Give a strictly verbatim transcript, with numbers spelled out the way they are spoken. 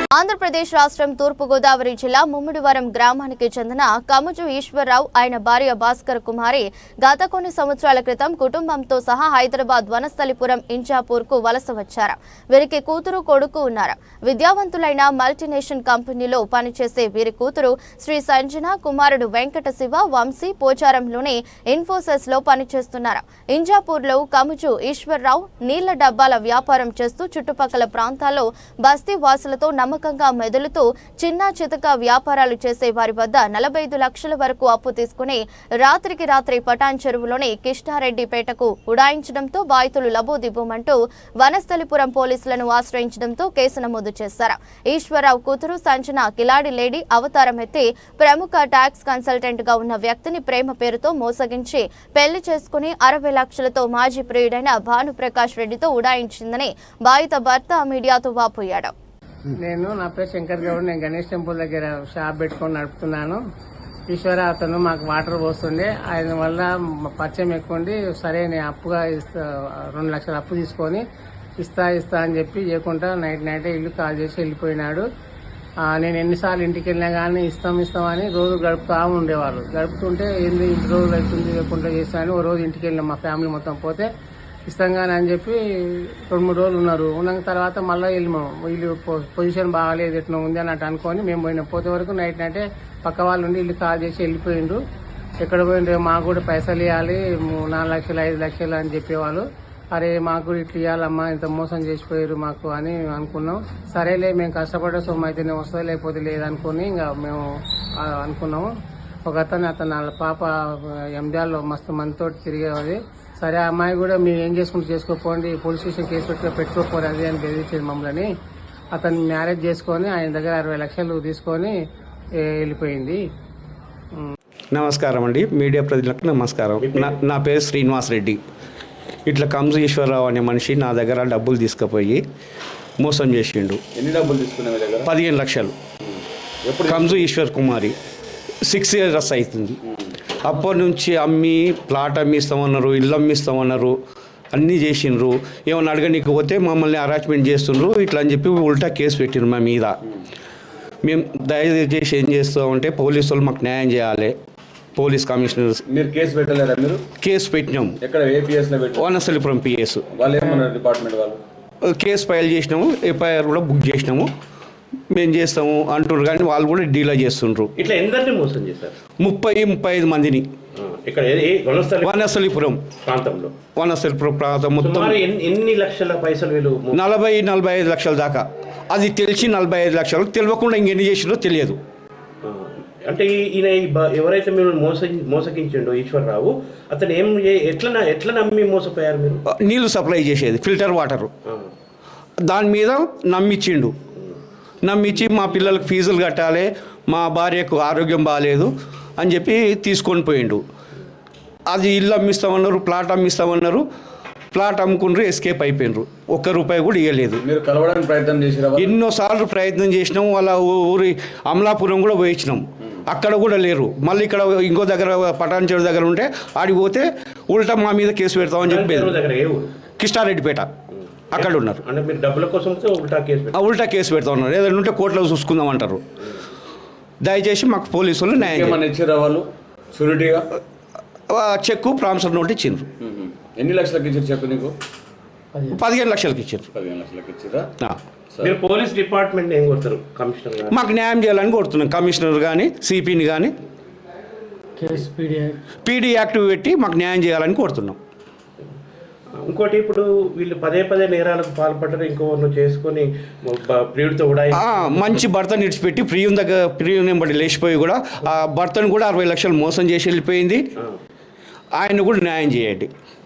ఆంధ్రప్రదేశ్ రాష్ట్రం తూర్పు గోదావరి జిల్లా ముమ్మిడివరం గ్రామానికి చెందిన కముజు ఈశ్వర్రావు ఆయన భార్య భాస్కర్ కుమారి గత కొన్ని సంవత్సరాల క్రితం కుటుంబంతో సహా హైదరాబాద్ వనస్థలిపురం ఇంజాపూర్ కు వలస వచ్చారు. వీరికి కూతురు కొడుకు ఉన్నారు. విద్యావంతులైన మల్టీనేషనల్ కంపెనీలో పనిచేసే వీరి కూతురు శ్రీ సంజన, కుమారుడు వెంకట శివ వంశీ పోచారంలోని ఇన్ఫోసిస్ లో పనిచేస్తున్నారు. ఇంజాపూర్ లో కముజు ఈశ్వర్రావు నీళ్ల డబ్బాల వ్యాపారం చేస్తూ చుట్టుపక్కల ప్రాంతాల్లో బస్తీ వాసులతో నమ్మకంగా మెదులుతూ చిన్న చితక వ్యాపారాలు చేసే వారి వద్ద నలభై ఐదు లక్షల వరకు అప్పు తీసుకుని రాత్రికి రాత్రి పటాన్ చెరువులోని కిష్టారెడ్డిపేటకు ఉడాయించడంతో బాధితులు లబోదిబోమంటూ వనస్థలిపురం పోలీసులను ఆశ్రయించడంతో కేసు నమోదు చేశారు. ఈశ్వరరావు కూతురు సంజన కిలాడి లేడీ అవతారం ఎత్తి ప్రముఖ ట్యాక్స్ కన్సల్టెంట్ గా ఉన్న వ్యక్తిని ప్రేమ పేరుతో మోసగించి పెళ్లి చేసుకుని అరవై లక్షలతో మాజీ ప్రియుడైన భానుప్రకాష్ రెడ్డితో ఉడాయించిందని బాధిత భర్త మీడియాతో వాపోయాడు. నేను నా పేరు శంకర్ గౌడ్. నేను గణేష్ టెంపుల్ దగ్గర షాప్ పెట్టుకొని నడుపుతున్నాను. ఈశ్వర అతను మాకు వాటర్ పోస్తుండే. ఆయన వల్ల పరిచయం ఎక్కువండి. సరే నేను అప్పుగా ఇస్తా రెండు లక్షల అప్పు తీసుకొని ఇస్తా ఇస్తా అని చెప్పి చేయకుండా నైట్ నైటే ఇల్లు కాల్ చేసి వెళ్ళిపోయినాడు. నేను ఎన్నిసార్లు ఇంటికి వెళ్ళినా కానీ ఇస్తాం ఇస్తామని రోజు గడుపుతా ఉండేవాళ్ళు. గడుపుతుంటే ఏంది ఇంటి రోజులు అవుతుంది లేకుండా చేస్తానని ఓ రోజు ఇంటికి వెళ్ళినాం మా ఫ్యామిలీ మొత్తం. పోతే ఇస్తాంగానే అని చెప్పి రెండు మూడు రోజులు ఉన్నారు. ఉన్న తర్వాత మళ్ళీ వెళ్ళినాము. వీళ్ళు పొజిషన్ బాగాలేదు ఎట్లా ఉంది అన్నట్టు అనుకొని మేము పోయినా. పోతే వరకు నైట్ నైటే పక్క వాళ్ళు ఉండి ఇల్లు కాల్ చేసి వెళ్ళిపోయిండు. ఎక్కడ పోయిండ్రు, మాకు కూడా పైసలు ఇవ్వాలి నాలుగు లక్షలు ఐదు లక్షలు అని చెప్పేవాళ్ళు. అరే మాకు కూడా ఇట్లా ఇవ్వాలమ్మా, ఇంత మోసం చేసిపోయారు మాకు అని అనుకున్నాం. సరేలే మేము కష్టపడే సొమ్ము అయితేనే వస్తుంది లేకపోతే లేదనుకుని ఇంకా మేము అనుకున్నాము. ఒక అతను అతను వాళ్ళ పాప ఎంజాల్లో మస్తు మందితో తిరిగేది. సరే ఆ అమ్మాయి కూడా మీరు ఏం చేసుకుంటూ చేసుకోపోండి, పోలీస్ స్టేషన్ కేసు పెట్టుకో పెట్టుకోపోరు అది అని బెదిరించేది మమ్మల్ని. అతను మ్యారేజ్ చేసుకొని ఆయన దగ్గర అరవై లక్షలు తీసుకొని వెళ్ళిపోయింది. నమస్కారం అండి, మీడియా ప్రతినిధులకు నమస్కారం. నా పేరు శ్రీనివాస్ రెడ్డి. ఇట్లా కమ్జు ఈశ్వరరావు అనే మనిషి నా దగ్గర డబ్బులు తీసుకుపోయి మోసం చేసిండు. ఎన్ని డబ్బులు తీసుకున్నా మీ దగ్గర? పదిహేను లక్షలు. కమ్జు ఈశ్వర్ కుమారి సిక్స్ ఇయర్స్ అవుతుంది. అప్పటి నుంచి అమ్మి ప్లాట్ అమ్మిస్తామన్నారు, ఇల్లు అమ్మిస్తామన్నారు, అన్నీ చేసిండ్రు. ఏమన్నా అడగనీకి పోతే మమ్మల్ని హరాస్మెంట్ చేస్తుండ్రు ఇట్లా అని చెప్పి ఉల్టా కేసు పెట్టిండ్రు మా మీద. మేము దయచేసి ఏం చేస్తామంటే పోలీసు వాళ్ళు మాకు న్యాయం చేయాలి. పోలీస్ కమిషనర్ మీరు కేసు పెట్టలేరా? మీరు కేసు పెట్టినాం. ఎక్కడ ఏ పిఎస్ లో పెట్టారు? వనస్థలిపురం పిఎస్. వాళ్ళు ఏమన్నారు డిపార్ట్మెంట్ వాళ్ళు? కేసు ఫైల్ చేసినాము, ఎఫ్ఐఆర్ కూడా బుక్ చేసినాము, మేము చేస్తాము అంటున్నారు. కానీ వాళ్ళు కూడా డీలా చేస్తుండ్రు. ఇట్లా ఎందరిని మోసం చేశారు? ముప్పై ముప్పై ఐదు మందిని ఇక్కడ వనస్థలిపురం ప్రాంతంలో. వనస్థలిపురం ప్రాంతం మొత్తం ఎన్ని లక్షల పైసలు వీళ్ళు? నలభై నలభై ఐదు లక్షల దాకా. అది తెలిసి నలభై ఐదు లక్షలు, తెలియకుండా ఇంకెన్ని చేసిందో తెలియదు. అంటే ఈయన ఎవరైతే మీరు మోస మోసగించిండో ఈశ్వరరావు, అతను ఏం ఎట్లా ఎట్లా నమ్మి మోసపోయారు మీరు? నీళ్లు సప్లై చేసేది ఫిల్టర్ వాటర్, దాని మీద నమ్మిచ్చిండు. నమ్మించి మా పిల్లలకు ఫీజులు కట్టాలి, మా భార్యకు ఆరోగ్యం బాగాలేదు అని చెప్పి తీసుకొని పోయిండు. అది ఇల్లు అమ్మిస్తామన్నారు, ప్లాట్ అమ్మిస్తామన్నారు. ప్లాట్ అమ్ముకుండ్రు, ఎస్కేప్ అయిపోయినరు. ఒక్క రూపాయి కూడా ఇవ్వలేదు. మీరు కలవడానికి ప్రయత్నం చేసినా? ఎన్నోసార్లు ప్రయత్నం చేసినాం. వాళ్ళ ఊరి అమలాపురం కూడా పోయించినాం, అక్కడ కూడా లేరు. మళ్ళీ ఇక్కడ ఇంకో దగ్గర పటాన్ చెరువు దగ్గర ఉంటే ఆడికి పోతే ఉల్టా మా మీద కేసు పెడతామని చెప్పేది. కిష్టారెడ్డిపేట అక్కడ ఉన్నారు. అంటే మీరు డబ్బుల కోసం ఉల్టా కేసు ఉల్టా కేసు పెడతా ఉన్నారు. ఏదైనా ఉంటే కోర్టులో చూసుకుందాం అంటారు. దయచేసి మాకు పోలీసు వాళ్ళు న్యాయం ఇచ్చారు. వాళ్ళు షూరిటీగా చెక్కు ప్రామిసర్ నోట్ ఇచ్చిండ్రు. ఎన్ని లక్షలకి ఇచ్చారు చెక్కు నీకు? పదిహేను లక్షలకి ఇచ్చారు. పదిహేను లక్షలకి ఇచ్చారా? మీరు పోలీస్ డిపార్ట్మెంట్ ఏం కొడతారు? కమిషనర్ మాకు న్యాయం చేయాలని కోరుతున్నాం. కమిషనర్ కానీ సిపిని కానీ పీడీ యాక్టివ్ పెట్టి మాకు న్యాయం చేయాలని కోరుతున్నాం. ఇంకోటి, ఇప్పుడు వీళ్ళు పదే పదే నేరాలకు పాల్పడ్డారు. ఇంకోను చేసుకొని ప్రియుడితో కూడా మంచి భర్తను ఇడిచిపెట్టి ప్రియుని దగ్గర ప్రియుని బట్టి లేచిపోయి కూడా ఆ భర్తను కూడా అరవై లక్షలు మోసం చేసి వెళ్ళిపోయింది. ఆయన కూడా న్యాయం చేయండి.